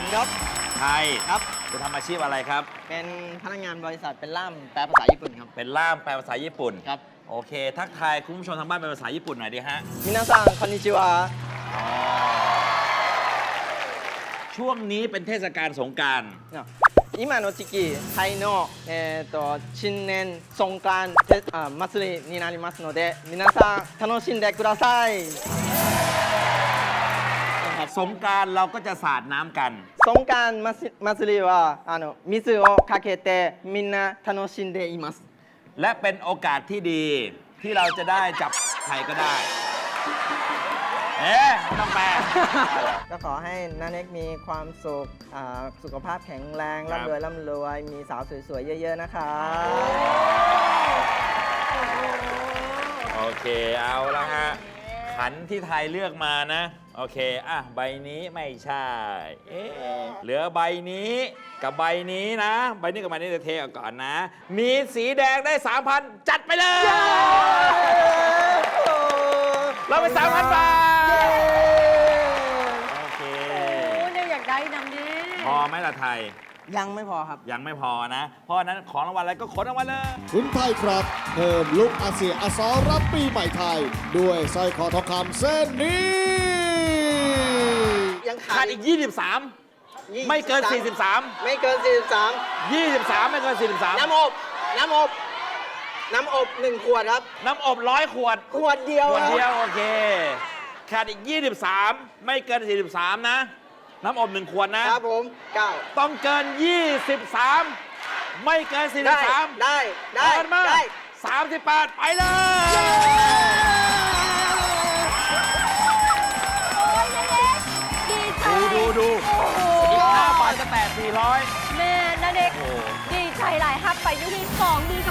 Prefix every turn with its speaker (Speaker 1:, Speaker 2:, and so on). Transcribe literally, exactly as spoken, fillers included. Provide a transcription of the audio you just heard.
Speaker 1: ครับ
Speaker 2: ไทย
Speaker 1: ครับ
Speaker 2: จะทำอาชีพอะไรครับ
Speaker 1: เป็นพนักงานบริษัทเป็นล่ามแปลภาษาญี่ปุ่นครับ
Speaker 2: เป็นล่ามแปลภาษาญี่ปุ่น
Speaker 1: ครับ
Speaker 2: โอเค ทักทายคุณผู้ชมทางบ้านเป็นภาษาญี่ปุ่นหน่อยดิฮะ
Speaker 1: มินาซังคอนนิชิวะ
Speaker 2: ช่วงนี้เป็นเทศกาลสงกรานต์
Speaker 1: 今の時期タイの、えー、と新年ソンカンあ祭りになりますので皆さん楽しんでください
Speaker 2: สงกรานต์เราก็จะสาดน้ำกัน
Speaker 1: ソンカン祭りはあの水をかけてみんな楽しんでいます
Speaker 2: และเป็นโอกาสที่ดีที่เราจะได้จับใครก็ได้ เอ๊ะไม่ต้องแปล
Speaker 1: ก็ขอให้นาเน็กมีความสุขอ่าสุขภาพแข็งแรง
Speaker 2: ครับ
Speaker 1: ร่ำรวยร่ำรวยมีสาวสวยๆ เยอะๆ นะคะ
Speaker 2: โอเค เอาละฮะ ขันที่ไทยเลือกมานะ โอเค อ่ะ ใบนี้ไม่ใช่ เอ๊ะเหลือใบนี้กับใบนี้นะ ใบนี้กับใบนี้จะเทออกก่อนนะ มีสีแดงได้ สามพัน จัดไปเลย เราไป สามพัน บาท โอเค
Speaker 3: โอ้ยเนี่ยอยากได้นำแน่
Speaker 2: พอไหมล่ะไทย
Speaker 1: ยังไม่พอครับ
Speaker 2: ยังไม่พอนะ เพราะฉะนั้นของรางวัลอะไรก็ขนรางวัลเลย
Speaker 4: คุณไทยครับ เพิ่มลุกอาเซียอสรรับปีใหม่ไทย ด้วยสร้อยคอทองคำเส้นนี้
Speaker 1: ยังขา
Speaker 2: ขา
Speaker 1: ด
Speaker 2: ดอีก ยี่สิบสาม ไม่เกิน สี่สิบสาม
Speaker 1: ไม่เกิน สี่สิบสาม
Speaker 2: ยี่สิบสาม ไม่เกิน สี่สิบสาม
Speaker 1: น้ำอบ น้ำอบ น้ำอบหนึ่งขวดครับ
Speaker 2: น้ำอบร้อยขวด
Speaker 1: ขวดเดียว
Speaker 2: ขวด
Speaker 1: ครับ
Speaker 2: เดียว โอเค ขาดอีก ยี่สิบสาม ไม่เกิน สี่สิบสาม นะ น้ำอบหนึ่งขวดนะ
Speaker 1: ครับผมเก้า
Speaker 2: ต้องเกิน ยี่สิบสาม ไม่เกิน สี่สิ
Speaker 1: ได้
Speaker 2: บสาม
Speaker 1: ได้ ได้
Speaker 2: เกินมา
Speaker 1: ได้
Speaker 2: สามสิบแปด ไปเลย
Speaker 3: โอ้ยนาเด็กดีใจ
Speaker 2: ดูดูดู
Speaker 3: โอ้โห
Speaker 2: อีกห้าบาทจะแตะสี่ร้อย
Speaker 3: แม่นาเด็ก
Speaker 2: โอ้
Speaker 3: ดีใจหลายฮับไปอยู่ที่สองมือ